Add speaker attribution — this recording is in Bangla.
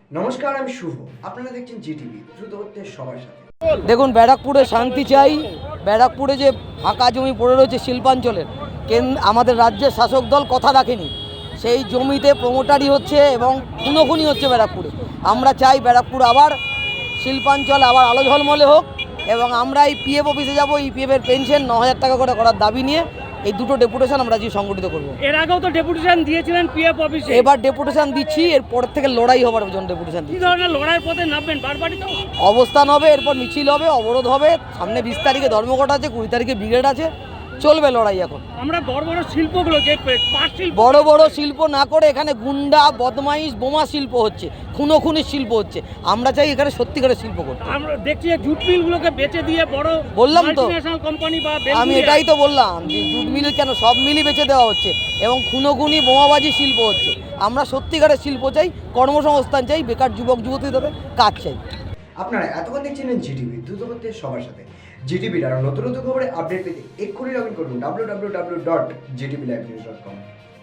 Speaker 1: নমস্কার, আমি শুভ। আপনারা দেখছেন জিটিভি, দ্রুত হচ্ছে সবার সাথে।
Speaker 2: দেখুন, ব্যারাকপুরে শান্তি চাই। ব্যারাকপুরে যে ফাঁকা জমি পড়ে রয়েছে শিল্পাঞ্চলের, আমাদের রাজ্যের শাসক দল কথা রাখেনি। সেই জমিতে প্রমোটারি হচ্ছে এবং খুনোখুনি হচ্ছে ব্যারাকপুরে। আমরা চাই ব্যারাকপুর আবার শিল্পাঞ্চল আবার আলো ঝলমলে হোক এবং আমরা এই পিএফ অফিসে যাবো। ইপিএফের পেনশন 9,000 টাকা করে করার দাবি নিয়ে এই দুটো ডেপুটেশন আমরা আজকে সংগঠিত করবো।
Speaker 3: এর আগেও তো ডেপুটেশন দিয়েছিলেন পিএফ অফিসে,
Speaker 2: এবার ডেপুটেশন দিচ্ছি, এরপর থেকে লড়াই হবার জন্য ডেপুটেশন
Speaker 3: কি
Speaker 2: দিচ্ছি।
Speaker 3: ধরনের লড়াইয়ের পথে নামবেন? বারবারই তো
Speaker 2: অবস্থান হবে, এরপর মিছিল হবে, অবরোধ হবে। সামনে 20 তারিখে ধর্মঘট আছে, 20 তারিখে ব্রিগেড আছে, চলবে লড়াই। এখন
Speaker 3: আমরা বড় বড় শিল্পগুলো যে পাট শিল্প,
Speaker 2: বড় বড় শিল্প না করে এখানে গুন্ডা বদমাইশ বোমা শিল্প হচ্ছে, খুনোখুনির শিল্প হচ্ছে। আমরা চাই এখানে সত্যিকারের শিল্প করতে।
Speaker 3: আমরা দেখছি যে জুট মিলগুলোকে বেচে দিয়ে বড়
Speaker 2: বললাম তো,
Speaker 3: মাল্টিন্যাশনাল কোম্পানি বা
Speaker 2: আমি এটাই তো বললাম যে জুট মিল কেন, সব মিলই বেচে দেওয়া হচ্ছে এবং খুনোখুনি বোমাবাজি শিল্প হচ্ছে। আমরা সত্যিকারের শিল্প চাই, কর্মসংস্থান চাই, বেকার যুবক যুবতীদের কাজ চাই।
Speaker 1: আপনারা এতক্ষণ দেখছিলেন জিটিভি, দ্রুত হচ্ছে সবার সাথে। জিটিভির আরও নতুন নতুন খবরে আপডেট পেতে এক্ষুনি লগ ইন করুন www.gtblivenews.com।